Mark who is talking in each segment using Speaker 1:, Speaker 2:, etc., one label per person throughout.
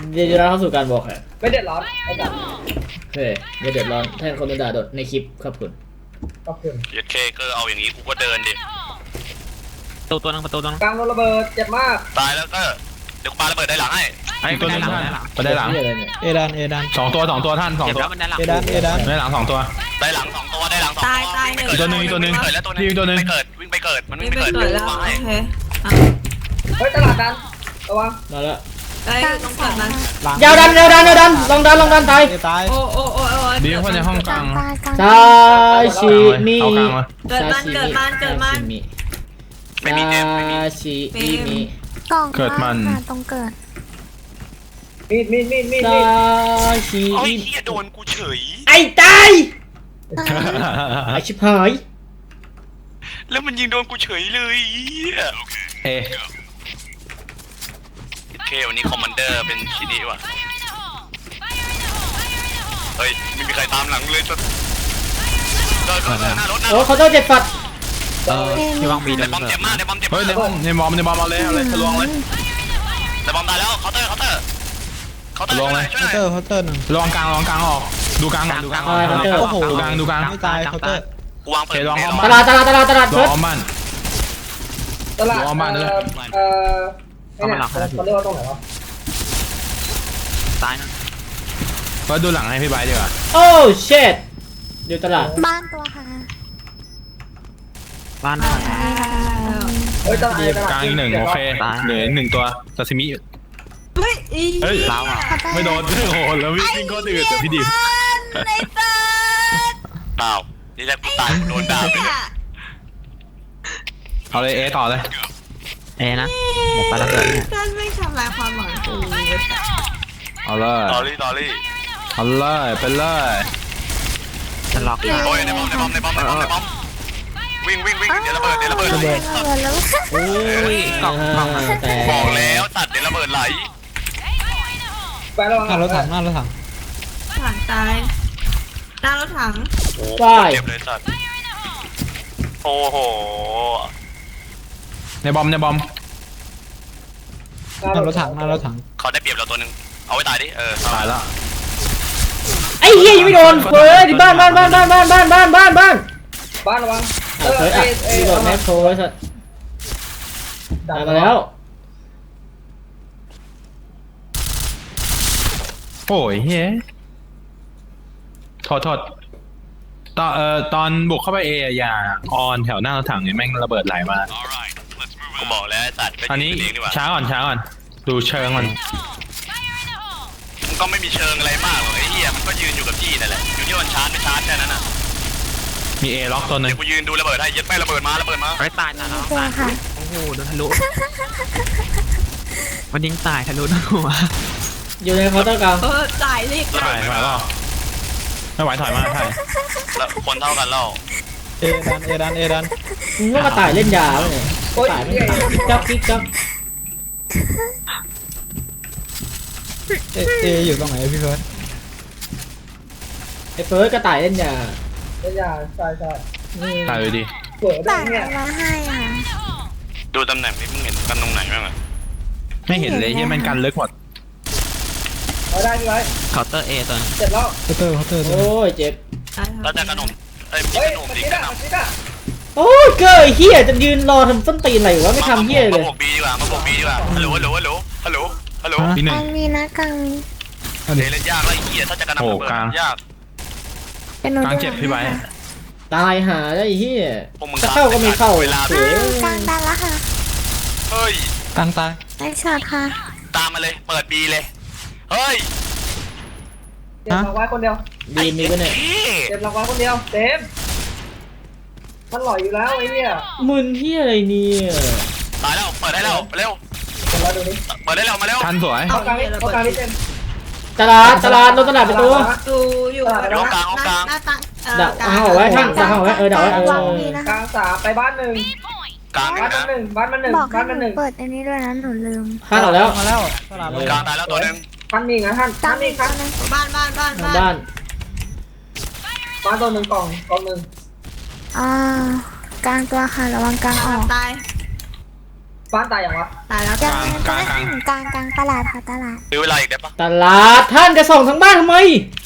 Speaker 1: เดี๋ยวเราเข้าสู่การบอกค่ะ
Speaker 2: ไม่เดือดร้อนไม่จับ
Speaker 1: เฮ้ยไม่เดือดร้อนแทนคนโดนด่าโดดในคลิปขอบคุณ
Speaker 2: ขอบคุณ
Speaker 3: เย็ดเคก็เอาอย่างนี้กูก็เดินดิ
Speaker 4: ตัวนึงประตูตัวนึง
Speaker 2: กลางโดนระเบิดเจ็บมาก
Speaker 3: ตายแล้วก็เดี๋ยวกูปาระเบิดได้หลังให้
Speaker 4: ไอ้ตัวนึงไปได้หลัง
Speaker 1: เหี้ยอะไรเนี่ย
Speaker 5: เอดาน
Speaker 4: สองตัวท่านสอง
Speaker 5: เจ็บ
Speaker 4: ตัว
Speaker 5: แล้วมันได้หลังเอดาน
Speaker 4: ได้หลังสองตัว
Speaker 3: ได้หลังสองตัวได้หลังสองตัว
Speaker 6: ตายหนึ่ง
Speaker 4: อีกตัวหนึ่งอีกตัวหนึ่ง
Speaker 3: เกิดแล้วตัวนึง
Speaker 4: อีกตัวหนึ่ง
Speaker 3: ไม่เกิดวิ่งไปเกิดมัน
Speaker 6: ไม่
Speaker 3: วิ่ง
Speaker 6: ไป
Speaker 3: ไปเกิด
Speaker 6: เกิดแล้ว
Speaker 3: มา
Speaker 6: โอ
Speaker 3: ให้
Speaker 6: เค
Speaker 2: เฮ้ยตลาดดันระวัง
Speaker 1: มาแล้ว
Speaker 6: เอ้ยต้องเกิดมัน
Speaker 1: ยาวดันลองดันตาย
Speaker 5: ตาย
Speaker 6: โอ้โอ้โอ้โอ้
Speaker 4: ดีคนในห้องกลาง
Speaker 1: ซาชิมิ
Speaker 4: เอากลางมา
Speaker 6: เกิดมันเกิดมันเกิดมัน
Speaker 3: ไม่มีเจมไม่มี
Speaker 1: ซาชิมิ
Speaker 7: กล่อง
Speaker 4: เกิดมัน
Speaker 7: ค่ะตรงเกิด
Speaker 2: มีด
Speaker 1: ซาชิ
Speaker 3: โอ้ย
Speaker 1: มิ
Speaker 3: เฮียโดนกูเฉย
Speaker 1: ไอ้ตายไอ้ชิบหาย
Speaker 3: แล้วมันยิงโดนกูเฉยเลยเหี้ย
Speaker 4: เอ
Speaker 3: เควันนี้คอมมานเดอร์เป็นชินิว่ะเฮ้ยไม่มีใครตามหลังเลยสักเดินหน้ารถนะ
Speaker 1: โอ้เขาต้องเจ็บฝัด
Speaker 4: ที่วางบี
Speaker 3: ใน
Speaker 4: เดิน
Speaker 3: บอมเจ็บมากในบอมเจ็บ
Speaker 4: เฮ้ยใน
Speaker 3: มาก
Speaker 4: ห้องในบอมเอาเลยทะลวงเลย
Speaker 3: ในบอมตายแล้วเคาน์เตอร์
Speaker 4: ลงเลย
Speaker 3: ช่วยห
Speaker 5: เคา
Speaker 3: น่อย
Speaker 5: น์เตอร์หนึ่ง
Speaker 4: ลองกลางออกดูกลางก่อนดูกลาง
Speaker 5: โอ้โห
Speaker 4: ดูกลาง
Speaker 5: ไม่ตายเคาน์เตอร์
Speaker 3: กูวางเปิด
Speaker 1: ตลาดเฟิ
Speaker 4: ร
Speaker 1: ร์ส
Speaker 4: อบ้าน
Speaker 2: ตลาด
Speaker 4: รอบ้านเลย
Speaker 2: เขาเรียกว่าตรงไหนวะ
Speaker 4: ตายนะก็ดูหลังให้พี่ใบดีกว่า
Speaker 1: โอ้เชิดอยู่ตลาด
Speaker 7: บ้านตัวค่ะ
Speaker 4: บ้าน
Speaker 2: เฮ้ยตลาด
Speaker 4: กลางอีกหนึ่งโอเคเหลือหนึ่งตัวซาซิมิ
Speaker 6: เฮ้ยอี
Speaker 4: เฮ้ยลาวอ่ะไม่โดนโอ้โหแล้ววิ่งก็ตื่นแต่พี่ดิม
Speaker 6: ไอ้ตา
Speaker 3: เปล่านี่แหละกูตายโดนด่าไปเลย
Speaker 4: เอาเลยเอต่อเลยเอนะหมดไปแล้วเกิด
Speaker 6: ท่านไม่ทำลายความหวังกู
Speaker 4: เอาเลย
Speaker 3: ตอรี่
Speaker 4: เอาเลยไปเลยจะล็อก
Speaker 3: โอ้ยในบอมวิ่งเดี๋ยวระเบิด
Speaker 7: แล้ว
Speaker 1: โอ้ยกล่องแต่
Speaker 3: บอกแล้วตัดเดี๋ยวระเบิดไหล
Speaker 2: ไประวัง
Speaker 5: หน้ารถถัง
Speaker 6: ถังตายหน้ารถถัง
Speaker 3: โอ้เจ็บเลยสัตว์โอ้โห
Speaker 4: ในบอม
Speaker 5: หน้ารถถัง
Speaker 3: เขาได้เปรียบเราตัวนึงเอาไว้ตายดิ
Speaker 4: ตายแล้ว
Speaker 1: ไอ้เหี้ยยังไม่โดนเฟิร์สที่บ้าน
Speaker 2: บ้านระวัง
Speaker 1: เฟิร์สอ่ะที่โดนแม็กโทรไว้สัตว์ตายมาแล้ว
Speaker 4: โอ้ยเฮ้ยโทษตอนบุกเข้าไปเออย่าออนแถวหน้ารถถังเนี่ยแม่งระเบิดไหลมา
Speaker 3: กูบอกแล้วสัตว์
Speaker 4: อันนี้
Speaker 3: เองดีกว่า
Speaker 4: ช้าก่อนดูเชิงมัน
Speaker 3: มันก็ไม่มีเชิงอะไรมากหรอกไอ้เหี้ยมันก็ยืนอยู่กับที่นั่นแหละอยู่ที่มันชาร์จไม่ชาร์จแค่นั้นน่ะ
Speaker 4: มีเอล็อกตัวหนึ่
Speaker 3: เดี๋
Speaker 4: ง
Speaker 3: ยวกูยืนดูระเบิดให้ยัดไม่ระเบิดมา
Speaker 4: ไม่ตายนะ
Speaker 7: ตัวค่ะ
Speaker 4: โอ้โหโดนทะลุมันยิงตายทะลุทั้งหัว
Speaker 1: อยู่ในเคาน์เตอร์กลาง
Speaker 6: ตายสิ
Speaker 4: ถอยเปล่าไม่ไหวถอยมาใช่
Speaker 3: แล้วคนเท่ากันแล้ว
Speaker 5: เอดาน
Speaker 1: มึงก็มาตายเล่นยาเลย
Speaker 2: โอ้ย
Speaker 1: ตายไม่จับกิ๊กจับ
Speaker 5: เออยู่ตรงไหนพี่เฟิร์ส
Speaker 1: ไอ้เฟิร์สก็ตายเล่นยา
Speaker 2: เป็นยาใช่
Speaker 4: ตายเลยดิ
Speaker 2: เปิดได้
Speaker 7: ต่าง
Speaker 2: เนี่ย
Speaker 7: มาให้ค่ะ
Speaker 3: ดูตำแหน่งนี้มึงเห็นกันตรงไหนบ้างอะ
Speaker 4: ไม่เห็นเลยที่มันกันลึกหมด
Speaker 2: เอาได้พี่ไว้
Speaker 4: เคาน์เตอร์เอตัวนึง
Speaker 2: เจ็บแล้ว
Speaker 5: เคาน์เตอร์
Speaker 1: โอ้ยเจ็บ
Speaker 3: แล้วจะขนมมี
Speaker 2: เฮ้ย
Speaker 3: ขนม
Speaker 2: มัน
Speaker 3: ดี
Speaker 2: นี่
Speaker 3: ข
Speaker 2: น่ะ
Speaker 3: น
Speaker 2: มั
Speaker 3: ม
Speaker 2: นนี่น่ะ
Speaker 1: โอ้ยเกยเฮียจะยืนรอทำส้นตีนอะไรวะไม่ทำเฮียเลย
Speaker 3: มาบวกบีดีกว่าฮัลโหล
Speaker 4: อีกหนึ่
Speaker 7: ก
Speaker 4: ง
Speaker 7: ลางมีนะกลางมี
Speaker 3: เล่นยากแล้วไอ้เหี้ยถ้าจะกระหน่ำระเบิดยาก
Speaker 7: เป็นหนู
Speaker 4: กลางเจ็บพี่ใบ
Speaker 1: ตายหาได้เฮีย
Speaker 3: พวกมึง
Speaker 1: จะเข้าก็ไม่เข้า
Speaker 3: เวลา
Speaker 1: เสีย
Speaker 7: กลางดันแล้วค่ะ
Speaker 3: เฮ้ย
Speaker 5: กลางตาย
Speaker 7: ไอ้ช็อตค่ะ
Speaker 3: ตามมาเลยเปิดบีเลยเฮ้ย
Speaker 2: เจ็บเราไว้คนเดียว
Speaker 1: ดีมีปะเนี่ย
Speaker 2: เจ็บเราไว้คนเดียวเต็มมันหล่อยอยู่แล้วไอ้เนี่ย
Speaker 1: มึนเฮียอะไรเนี่ย
Speaker 3: ตายแล้วเปิดได้แล้วเร็ว
Speaker 2: เดี๋ยวเราดูนี่
Speaker 3: เปิดได้แล้วมาเร็ว
Speaker 4: ทันสวย
Speaker 2: เอากลางนี่เต็ม
Speaker 1: ตลาดรถตลาดไปตัว
Speaker 6: ดูอยู่หน้าตัง
Speaker 1: ดักเอาไว้ข้างดักเอาไว้ดักไว้
Speaker 7: วางมีนะ
Speaker 2: กลา
Speaker 7: คะ
Speaker 2: งสามไปบ้านหนึ่ง
Speaker 3: กลาง
Speaker 2: บ้านมันหนึ่งบ้านมันหนึ่ง
Speaker 7: บอกให้
Speaker 2: บ้านมัน
Speaker 7: ห
Speaker 2: ห
Speaker 7: นู
Speaker 2: นึ่ง
Speaker 7: เปิดอันนี้ด้วยนะหนูลืม
Speaker 1: ข้างออกแล้ว
Speaker 5: มาแล้วตลาด
Speaker 3: กลางตายแล้วตัวนึง
Speaker 2: ท่านมีนะท่าน
Speaker 7: กลา
Speaker 2: ท่าง น
Speaker 7: มี
Speaker 2: มีครับ
Speaker 7: ตัวนึง
Speaker 6: บ้าน
Speaker 1: บ้าน
Speaker 2: บ้านตัวหนึ่งกล่องหนึ่ง
Speaker 7: กลางตัวค่ะระวังกลางออก
Speaker 6: ตาย
Speaker 2: บ้านตายอย่างวะ
Speaker 6: ตายแล้ว
Speaker 7: ยั
Speaker 6: จ้ะ
Speaker 7: งกลางตลาดค่ะตลาด
Speaker 3: ซื้อเวลาอีกได้ปะ
Speaker 1: ตลาดท่านจะส่องทั้งบ้านทำไม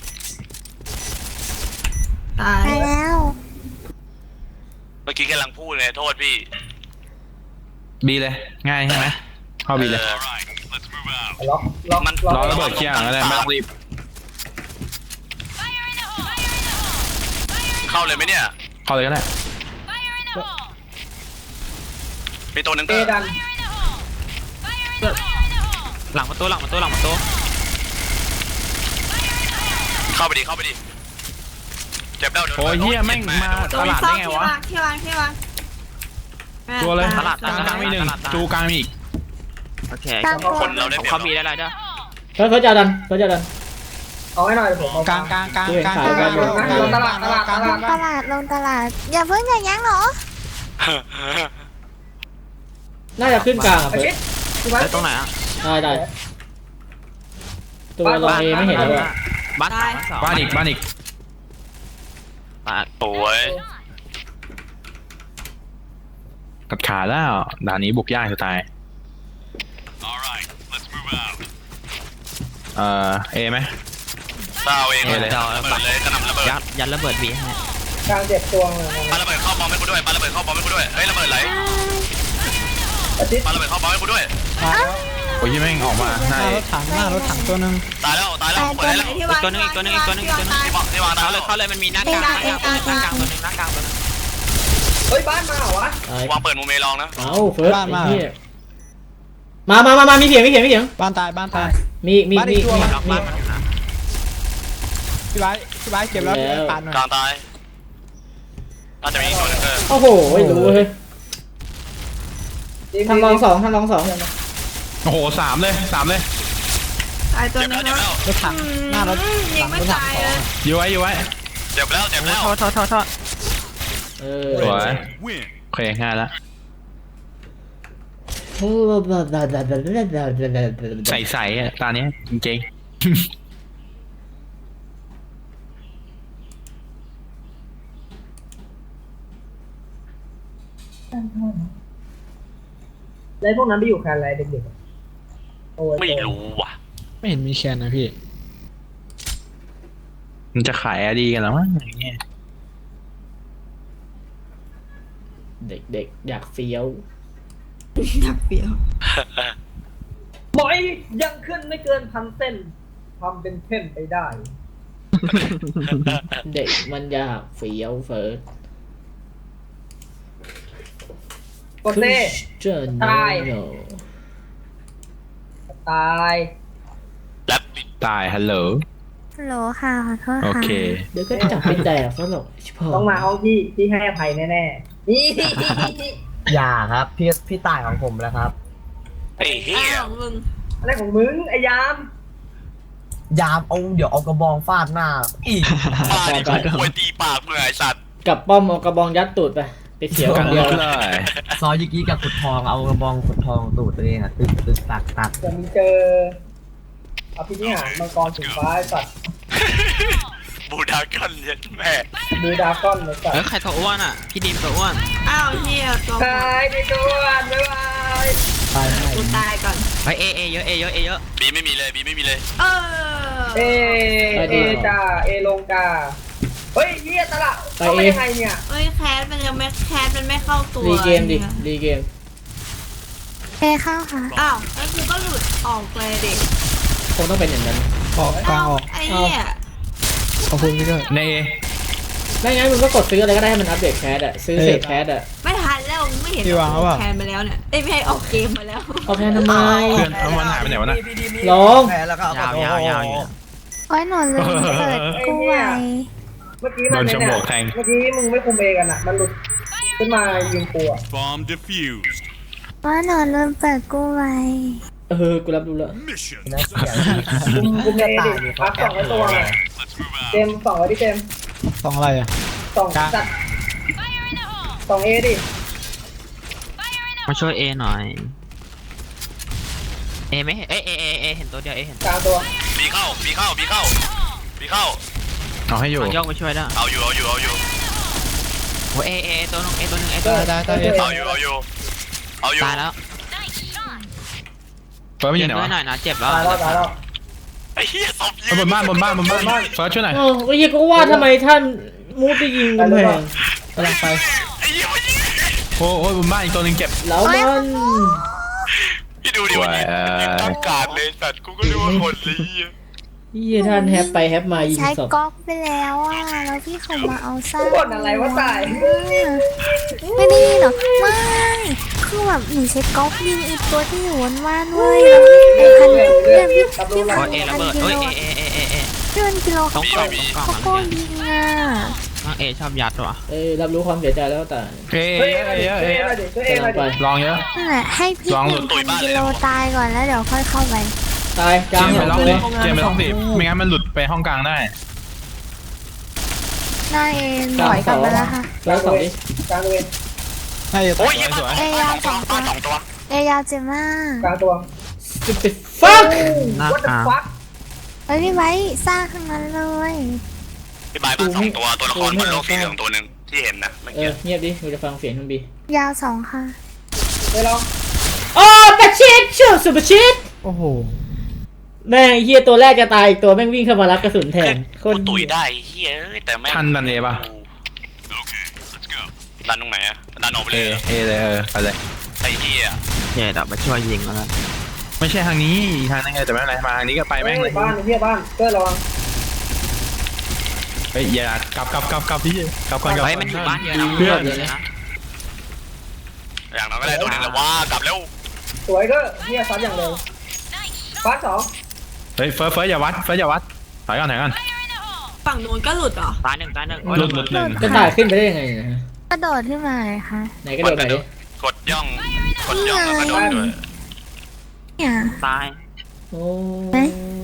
Speaker 6: ตาย
Speaker 7: ไปแล้ว
Speaker 3: เมื่อกี้กำลังพูดเลยโทษพี่
Speaker 4: บีเลยง่ายใช่ไหมเข้าบีเลย
Speaker 2: ล็อก
Speaker 3: มัน
Speaker 4: รอระเบิดเคลียร์อะไรไม่ต้องรีบ
Speaker 3: เข้าเลยไหมเนี่ย
Speaker 4: เข้าเลยก็ได้
Speaker 3: มีตัวหนึ่ง
Speaker 2: เอ
Speaker 3: ก็
Speaker 2: ดัน
Speaker 5: หลังประตูหลังประตูหลังประตู
Speaker 3: เข้าไปดิเจ็บแล้ว
Speaker 4: โอ้ยเหี้ยแม่งมา
Speaker 6: ตั
Speaker 4: ต
Speaker 6: ว
Speaker 4: ลาด
Speaker 6: ซ่อ
Speaker 4: ได้
Speaker 6: ม
Speaker 4: ไง
Speaker 6: ที่
Speaker 4: วะ
Speaker 6: วางที่วางที่วาง
Speaker 4: ตัวเลย
Speaker 6: ตลาด
Speaker 4: กลางมีหนึ่งจูกลางมีอีก
Speaker 5: โอเค
Speaker 7: กลางตัว
Speaker 3: คนเราได้เปรียบ
Speaker 5: เขามีได้ไรจ้ะ
Speaker 1: เฟิร์สจะดันเฟิร์สจะดัน
Speaker 2: เอาให้หน่อยผมเอา
Speaker 5: กลางกลางกลางกลาง
Speaker 2: ลงตลาด
Speaker 7: ลงตลาดอย่าเพิ่งอย่ายั้งเหรอ
Speaker 1: น่าจะขึ้นกลางอ่ะ
Speaker 2: ไอ้
Speaker 1: เฟิ
Speaker 2: ชิ
Speaker 1: ร์
Speaker 2: ด
Speaker 1: ส
Speaker 2: ที่บ้าน
Speaker 5: แล้วตรงไหนอ่ะ
Speaker 1: ได้ตัวลงเอไม่เห็นแล้วอะ
Speaker 5: บ้านสอง
Speaker 4: บ้านอีก
Speaker 5: บ้าน
Speaker 3: โอ้ย
Speaker 4: กัดขาแล้วด่านนี้บุกยากจะตายเอไหม
Speaker 3: เต้าเอง
Speaker 4: เอเลย
Speaker 3: ระเบิดเลยกระหน่ำระเบิด
Speaker 5: ยัดระเบิดบีให้
Speaker 2: กลางเจ็บตัวเลย
Speaker 3: ปาระเบิดเข้าบอมให้กูด้วยปาระเบิดเข้าบอมให้กูด้วยเฮ้ยระเบิดไหล
Speaker 2: ไอ้ชิด
Speaker 3: ปาระเบิดเข้าบอมให้กูด้วย
Speaker 4: โอ้ยแม่งออกมา
Speaker 5: หน้ารถถังหน้ารถถังตัวนึง
Speaker 3: ตายแล้วเปิดได้แล้ว
Speaker 6: ไอ้ที่วางที่วางตาย
Speaker 3: ที่วางตายแล้ว
Speaker 5: เขาเลยมันมีหน้ากลางตัวนึงหน้ากลางตัวนึง
Speaker 2: เฮ้ยบ้านมาเหรอวะ
Speaker 1: ตายว
Speaker 3: างเปิดมูเมลองนะ
Speaker 1: เอ้าเฟิร์สไอ้เหี้ยมามีเสียง
Speaker 5: บ้านตายบ้านตาย
Speaker 1: มี
Speaker 5: บ้านอีกตัวล็อกบ้านมันนะพี่ไบเก็บแล้วปานหน่อย
Speaker 3: กลางตายน่าจะมีอีกตัวนึง
Speaker 1: โอ้โหรู้เฮ้ยทำลองสอง
Speaker 4: โอ้โหสามเลย
Speaker 6: ตายตัว
Speaker 3: เจ็บ
Speaker 6: นึ
Speaker 3: แล้ว
Speaker 6: ง
Speaker 3: เจ็บแล้ว
Speaker 5: รถถังหน้ารถ
Speaker 6: ยังไม่ตายเลย
Speaker 4: อยู่ไว้
Speaker 3: เจ็บแล้ว
Speaker 5: โทษ
Speaker 1: เออ
Speaker 4: สวยโอเคง่ายแล้วใสอ่ะตาเนี้ยจริง
Speaker 2: แล้วพวกนั้นไปอยู่แคนอะไรเด็กๆโอ้ย
Speaker 3: ไม่รู้ว่ะ
Speaker 5: ไม่เห็นมีแคนนะพี่
Speaker 4: ๆมันจะขายอดีกันแล้วมั้งอย่างเงี้ย
Speaker 1: เด็กอยากเฟี้ยว
Speaker 6: อยากเปรี้ยว
Speaker 2: หมอยยังขึ้นไม่เกิน1,000 เส้นทำเป็นเส้นไปได้
Speaker 1: เด็กมันอยากเฟี้ยวเฟิร์ส
Speaker 2: กดเซ่
Speaker 1: เจอ
Speaker 2: ตาย
Speaker 1: โน
Speaker 2: ตาย
Speaker 3: แล้ว
Speaker 4: ตายฮัลโหล
Speaker 7: ฮัลโหลค่ะขอโทษ
Speaker 4: โอ
Speaker 7: ค่ะ
Speaker 4: เค
Speaker 1: เดี๋ยวก็จับไปแดกซะหรอกชิบหาย
Speaker 2: ต้องมาห้องที่ให้อภัยแน่ๆนี่
Speaker 8: อย่าครับพี่ตายของผมแล้วครับ
Speaker 3: ไอ้เหี้
Speaker 6: อ้า
Speaker 3: ยว
Speaker 6: มึง
Speaker 2: อะไรของมึงไอ้ยาม
Speaker 8: ยามเอาเดี๋ยวเอากระบองฟาดหน้าอีก
Speaker 3: ปาดิป่วยตีปากมึงไอ้สัตว์
Speaker 1: กับป้อมเอากระบองยัดตูดไปเสียวกันเดียว
Speaker 4: เลย
Speaker 8: ซอยยิกี้กับขุดทองเอากระบองขุดทองตูดตัวเองอ่ะตึกตัก
Speaker 2: เดี๋ยวมึงเจออภินิหารมังกรสีฟ้าไอ้สัตว์
Speaker 3: บูดากันเย็นแม่
Speaker 2: ดูดราก้อนเลยสัตว์
Speaker 5: ใครตัวอ้วนอ่ะพี่ดิมตัวอ้วน
Speaker 6: อ้าวเฮียตัว
Speaker 2: ตายในตัวบ๊ายบาย
Speaker 8: ตายให้
Speaker 6: กูตายก่อน
Speaker 5: ไปเอเยอะ
Speaker 3: บีไม่มีเลย
Speaker 6: เอ
Speaker 2: เอจ้าเอลงกาเฮ้ยเฮียตลาดเข้าไปยังไงเนี่ย
Speaker 6: เฮ้ยแคสมันยังไม่แคสมันไม่เข้าตัว
Speaker 1: รีเกมดิรีเกม
Speaker 7: เอเข้าค่ะ
Speaker 6: อ้าวแล้วกูก็หลุดออกเลยเด็ก
Speaker 1: คงต้องเป็นอย่างนั้น
Speaker 5: ออกกลางออก
Speaker 6: ไอ้เนี่ย
Speaker 5: ขอบคุณพี่ด้วย
Speaker 4: ใน
Speaker 1: ไม่งั้นมึงก็กดซื้ออะไรก็ได้ให้มันอัปเดตแคสอะซื้อเสร็จแคสอะ
Speaker 6: ไม่ทันแล้วไม่เห็นแคสมาแล้วเนี่ยเอ้ยไม่ให้ออกเกมมาแล้ว
Speaker 1: เอาแคสทำไม
Speaker 4: เพื่อนเอามันหายไปไหนวะน่ะ
Speaker 1: ลอง
Speaker 8: แพ้แล้วก็เอา
Speaker 5: ยาว
Speaker 7: โอ้ยหนูลืมเปิดกู้ไว้
Speaker 2: เมื่อกี้มันเนี่ยเมื่อกี้มึงไม่คุมเอกันอ่ะมันหลุดขึ้นมายิงกูอ่ะ
Speaker 9: Bomb defused.
Speaker 7: ว่าหนูลืมเปิดกู้ไว้
Speaker 1: กูรับรู้แล้ว
Speaker 9: Mission
Speaker 8: นะอย่าง
Speaker 2: คุมเอดิพัก2 ไว้ตัวไง
Speaker 9: Let's move out.
Speaker 2: เจม2 ไว้ที่เจม
Speaker 5: สองอะไรอ่ะ
Speaker 2: 2จัด2 เอดิ
Speaker 5: มาช่วยเอหน่อยเอไม่เห็นเอเห็นตัวเดียวเห็น
Speaker 2: กลางตัว
Speaker 3: บีเข้า
Speaker 4: เอาให้อยู่
Speaker 5: ย่องไปช่วยได้
Speaker 3: เอาอยู่
Speaker 5: โอ้เอตัวนึง
Speaker 2: ได้
Speaker 5: ตายแล้ว
Speaker 3: เอาอยู่
Speaker 5: ตายแล้ว
Speaker 4: เฟิร์สไม่อ
Speaker 8: เจ็
Speaker 4: ยู่
Speaker 8: บ
Speaker 4: ไหน
Speaker 8: ด้วยหน่
Speaker 4: วะ
Speaker 8: อยนะเจ็บแล้ว
Speaker 2: ตายแล้วตายแล้ว
Speaker 3: ไอ้เหี้ยศพยื
Speaker 4: เฮ้ยบนบ้านเฟิร์สช่วยหน่อย
Speaker 1: โอ้ไอ้เหี้ยก็ว่าทำไมท่านมูดไปยิงกำแพงกำลังไป
Speaker 3: ไอ้เหี้ยมันยิง
Speaker 4: โอ้ยบนบ้านอีกตัวหนึงเจ็บ
Speaker 1: แล้วมัน
Speaker 3: พี่ดูดิมันยิงตั้งการเลยสัตว์กูก็รู้ว่าคนเลยเหี้ย
Speaker 1: เหี้ยท่านแฮปไปแฮปมายิง
Speaker 7: ใช้
Speaker 1: ศพ
Speaker 7: ก๊อกไปแล้วอ่ะแล้วพี่เขามาเอาซ่า
Speaker 2: บ่นอะไรวะตาย
Speaker 7: ไม่ได้ยินเหรอไม่คือแบบหนูใช้ก๊อกยิงอีกตัวที่อยู่บนบ้านเว้ยแล้วไอ้พันเนี่ยพี่พัน
Speaker 8: โอ้ยเอระเบิด
Speaker 7: กิ
Speaker 8: เฮ้ย
Speaker 7: โล
Speaker 8: เอ
Speaker 7: พี่พันกิโล
Speaker 8: ต้
Speaker 7: เขา
Speaker 8: อง
Speaker 7: ก็
Speaker 8: กล่อง
Speaker 7: เขาก็ยิงอ่ะ
Speaker 8: น้องเอชอบยัดว่ะ
Speaker 1: รับรู้ความเสียใจแล้วแต่
Speaker 4: เอ้ย
Speaker 2: เฮ้ย
Speaker 4: เอ้ยเอ้ย
Speaker 2: เฮ้
Speaker 4: เอ้
Speaker 2: ย
Speaker 4: ย
Speaker 2: มาดิช่วยเอง
Speaker 1: กำลั
Speaker 2: มาง
Speaker 1: ไป
Speaker 2: ดิ
Speaker 4: ลองเยอะ
Speaker 7: นั่นแหละให้พี่
Speaker 4: ลองหลุ
Speaker 7: 1,000
Speaker 4: ด
Speaker 7: กิโลตายก่อนแล้วเดี๋ยวค่อยเข้าไป
Speaker 1: ตายก
Speaker 4: เจ
Speaker 1: ลาง
Speaker 4: ม
Speaker 1: ส
Speaker 4: ไป
Speaker 1: อง
Speaker 4: ล็อก
Speaker 1: ตัว
Speaker 4: ดิเจมไปล็อกดิไม่งั้นมันหลุดไปห้องกลางได้
Speaker 7: หน้าเอ็นถอยกลับมาแล้วค่ะ
Speaker 1: แล้วสองดิ
Speaker 2: กลางเวร
Speaker 5: ให้
Speaker 3: โอ้ยเหี้ย
Speaker 4: สวย
Speaker 7: เอยาสองตัว
Speaker 3: สองตัว
Speaker 7: เอยาเจ็บมาก
Speaker 2: กลางตัว
Speaker 1: stupid fuck
Speaker 8: หน้า
Speaker 2: What
Speaker 8: ก
Speaker 2: the
Speaker 8: ลาง
Speaker 2: fuck
Speaker 7: เอ้ยพี่ไว้สร้างข้างนั้นเลย
Speaker 3: พี่บายบ้าน2ตัวตัวละครบนโลกสีเหลืองตัวหนึ่งที่เห็นนะเมื่อกี้
Speaker 1: เงียบดิกูจะฟังเสียงทั้งบี
Speaker 7: ยาว2ค่ะ
Speaker 2: เดี๋ยวลอง
Speaker 1: โอ้ปะชิดชูสุปะชิด
Speaker 5: โอ้โห
Speaker 1: แม่งเฮียตัวแรกจะตายอีกตัวแม่งวิ่งเข้ามารับกระสุนแทนโค
Speaker 3: กู
Speaker 1: ตร
Speaker 3: ตุยได้เฮ้ยเอ้ยแต่แม่ง
Speaker 4: ทันดันเอป่ะ
Speaker 3: ดันตรงไหนอะดันออกไป
Speaker 4: เอ
Speaker 3: เลย
Speaker 4: เอเลยไปเลย
Speaker 3: ไอ้เหี้ย
Speaker 8: เจ็บมาช่วยยิงแล้วกัน
Speaker 4: ไม่ใช่ทางนี้อีกทางนึงไงแต่ไม่เป็นไรมาทางนี้ก็ไป
Speaker 2: เฮ้
Speaker 4: แม่งเลย
Speaker 2: ยบ้านเฮียบ้านเพื่อระวัง
Speaker 4: เฮ้ยอย่ากลับพี่กลับก่อนกลับ
Speaker 8: เฮ้ยมันอยู่บ้านเยอะนะ
Speaker 4: เพื่อน
Speaker 8: เยอะนะ
Speaker 3: อย่างน้อยก็ได้ตัวหนึงแล้วว่ากลับแล้ว
Speaker 2: สวยก็เฮียซัดอย่างเร็วฟาดสอง
Speaker 4: เฮ้ยเฟิร์สอย่าวัดถอยก่อน
Speaker 6: ฝั่งนู้นก็หลุดเหรอ
Speaker 8: ตายหนึ่ง
Speaker 4: หลุดหนึ่ง
Speaker 1: จะตายขึ้นไปได้ยังไงนะ
Speaker 7: กระโดดขึ้นมาเลยค่ะ
Speaker 1: ไหนกระโดดไหนดิ
Speaker 3: กดย่องแล้วก็โดนด้วย
Speaker 7: เนี่ย
Speaker 8: ตาย
Speaker 1: โอ้
Speaker 7: ไหน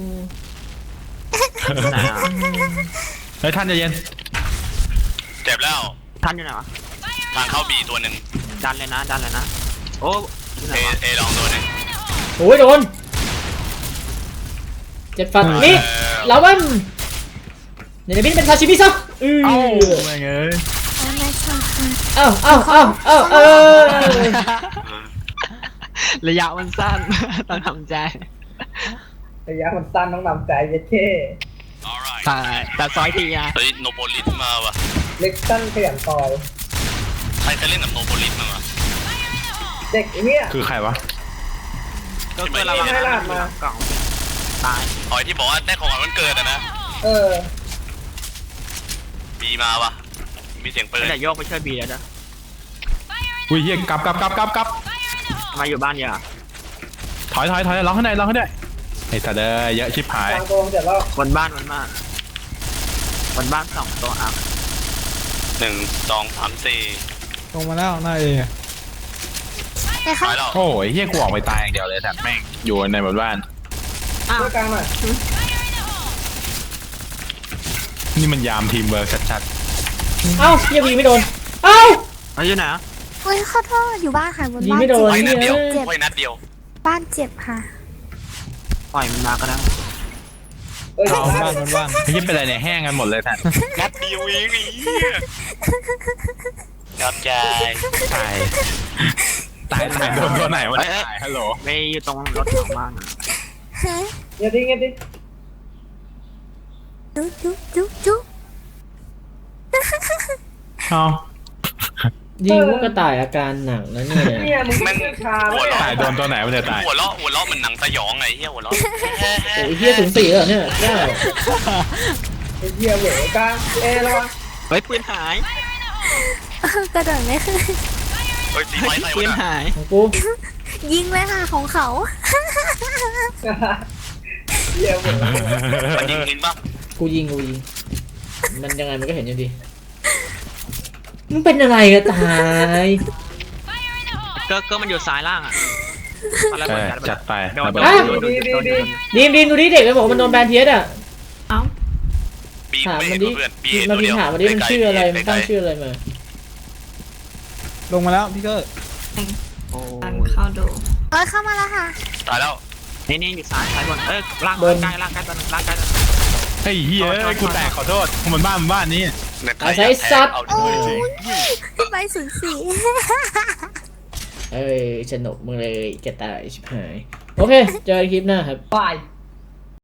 Speaker 8: ไหนอ่ะ
Speaker 4: เฮ้ยท่านใจเย็น
Speaker 3: เจ็บแล้ว
Speaker 8: ท่านอยู่ไหนวะ
Speaker 3: ทางเข้าบีตัวหนึ่ง
Speaker 8: ดันเลยนะโอ้อยู่ไหน
Speaker 3: เอ
Speaker 8: วะ
Speaker 3: เอลองตัวหนึ่ง
Speaker 1: โอ้ยโดนเจ็ดฟันนี่แล้วมันเดี๋ยวบินเป็นซาชิมิซะ
Speaker 4: เอ้าแม่งเอ้ย
Speaker 7: โอ้ไม่ชอบค่ะ
Speaker 1: เอ้า
Speaker 8: ระยะมันสั้น ต้องทำใจ
Speaker 2: ระยะมันสั้นต้องนำใจเย็ดเท่
Speaker 8: ใช่แต่ซอยทีอ่ะ
Speaker 3: เฮ้ยโนโปลิสมาว่ะ
Speaker 2: เล็กสั้นขยันต่อย
Speaker 3: ใครจะเล่นกับโนโปลิสมาวะ
Speaker 2: เด็กไอ้เฮีย
Speaker 4: คือใครวะ
Speaker 8: ก็เกิดระวัง
Speaker 2: ไม่ได้ลาดมา
Speaker 8: กล่องตาย
Speaker 3: อ๋อที่บอกว่าได้ของขวัญวันเกิดอะนะ
Speaker 2: เออ
Speaker 3: บีมาวะมีเสียงปืน
Speaker 8: ไม่ได้โยกไปช่วยบีแล้วจ้ะ
Speaker 4: อุ้ยเฮียกลับ
Speaker 8: มาอยู่บ้านเยอะ
Speaker 4: ถอยล็อกให้ได้ไอ้สัตว์เอ้ยเยอะชิบหาย
Speaker 2: กลางตัวเสร็จแล้ว
Speaker 8: บนบ้านสองตัวอ่ะ
Speaker 3: 1 2 3 4
Speaker 5: ลงมาแล้วหน้าเอ
Speaker 7: แต่เขา
Speaker 3: ไปแล้ว
Speaker 4: โอ้ยเฮียกูออกไปตายอย่างเดียวเลยแต่แม่งอยู่ในบนบ้าน
Speaker 2: ช่วยกลางหน่อย
Speaker 4: นี่มันยามทีมเวิร์กชัด
Speaker 1: เอ้าเฮียบีไม่โดนเอ้า
Speaker 8: เฮ้ยอยู่ไหนอ่ะ
Speaker 7: เฮ้ยขอโทษอยู่บ้านค่ะบน
Speaker 1: ยิง
Speaker 7: บ้าน
Speaker 1: ไม่โดน
Speaker 3: ไว้นัดเดียว
Speaker 7: เจ็บ
Speaker 3: ไว้นัดเดียว
Speaker 7: บ้านเจ็บค่ะ
Speaker 8: ปล่อยมันมาก็ได้
Speaker 2: เอ้ย
Speaker 5: เอาบ้านบนบ้าน
Speaker 4: ๆไม่ใช่เป็นไรเนี่ยแห้งกันหมดเลยท่าน
Speaker 3: นัดเดียวเองไอ้เหี้ยยอมใจ
Speaker 4: ตายโดนตัวไหนวะเนี่ยตายฮัลโหล
Speaker 8: ไปอยู่ตรงรถของบ้านอะ
Speaker 2: เงียบดิเงียบดิ
Speaker 7: จุ๊
Speaker 4: เอา
Speaker 1: ยิงลูกกระต่ายอาการหนักนะเนี่ย
Speaker 2: เนี่ยมึงไม่ชา
Speaker 3: หัว
Speaker 2: แล้ว
Speaker 3: เราะ
Speaker 4: ตายโดนตัวไหนวะเนี่ยตาย
Speaker 3: หัวเราะเหมือนหนังสยองไงเหี้ยหัวเราะ
Speaker 1: โอ้ยเฮียถึง4แล้วเนี่ยเก้า
Speaker 2: ไอ้เฮียเหวกลางเอระวัง
Speaker 8: เฮ้ยปืนหาย
Speaker 7: กระโดดไม่ขึ้น
Speaker 3: เฮ้ยสีไฟใส่
Speaker 8: ปื
Speaker 3: วะ
Speaker 8: น
Speaker 3: น่ะ
Speaker 8: หาย
Speaker 1: ของกู
Speaker 7: ยิงเลยค่ะของเขา
Speaker 2: เฮียเหว
Speaker 3: มันยิงหินปะ
Speaker 1: กูยิงมันยังไงมันก็เห็นอยู่ดีมึงเป็นอะไรกันตาย
Speaker 8: ก็มันอยู่ซ้ายล่างอ่ะอะไร
Speaker 4: เอ
Speaker 8: เหมือน
Speaker 4: อ
Speaker 8: กัน
Speaker 4: จัดไป
Speaker 8: โดน
Speaker 4: ระเบิด
Speaker 1: ดีมดูดิเด็กมันบอกมันโดนแบนเทียสอ่ะ
Speaker 6: เอ้า
Speaker 3: บี
Speaker 1: ถาม
Speaker 3: ไม่
Speaker 1: มั
Speaker 3: เห็
Speaker 1: น
Speaker 3: น
Speaker 1: ดิ
Speaker 3: เพื่อนบี
Speaker 1: มา
Speaker 3: ตัว
Speaker 1: พิ
Speaker 3: เดี
Speaker 1: ม
Speaker 3: ยว
Speaker 1: พ์ถามมันดิมันชื่ออะไรมันตั้งชื่ออะไรมา
Speaker 5: ลงมาแล้วพี่เกอร์
Speaker 8: โอ้
Speaker 6: ดันเข้าดู
Speaker 7: เอ้ยเข้ามาแล้วค่ะ
Speaker 3: ตายแล้ว
Speaker 8: นี่อยู่ซ้ายบนล่างใกล้ตัวนึงล่างใกล้ตัว
Speaker 4: เฮ้ยเฮียกูแตกขอโทษมันบ้านนี้
Speaker 3: ในไทยอยากแทงเอาด้วย
Speaker 7: พี่ใบ04
Speaker 1: เอ้ยสนุกมึงเลยแกตายชิบหายโอ้เคเจอกันคลิปหน้าครับ
Speaker 2: บาย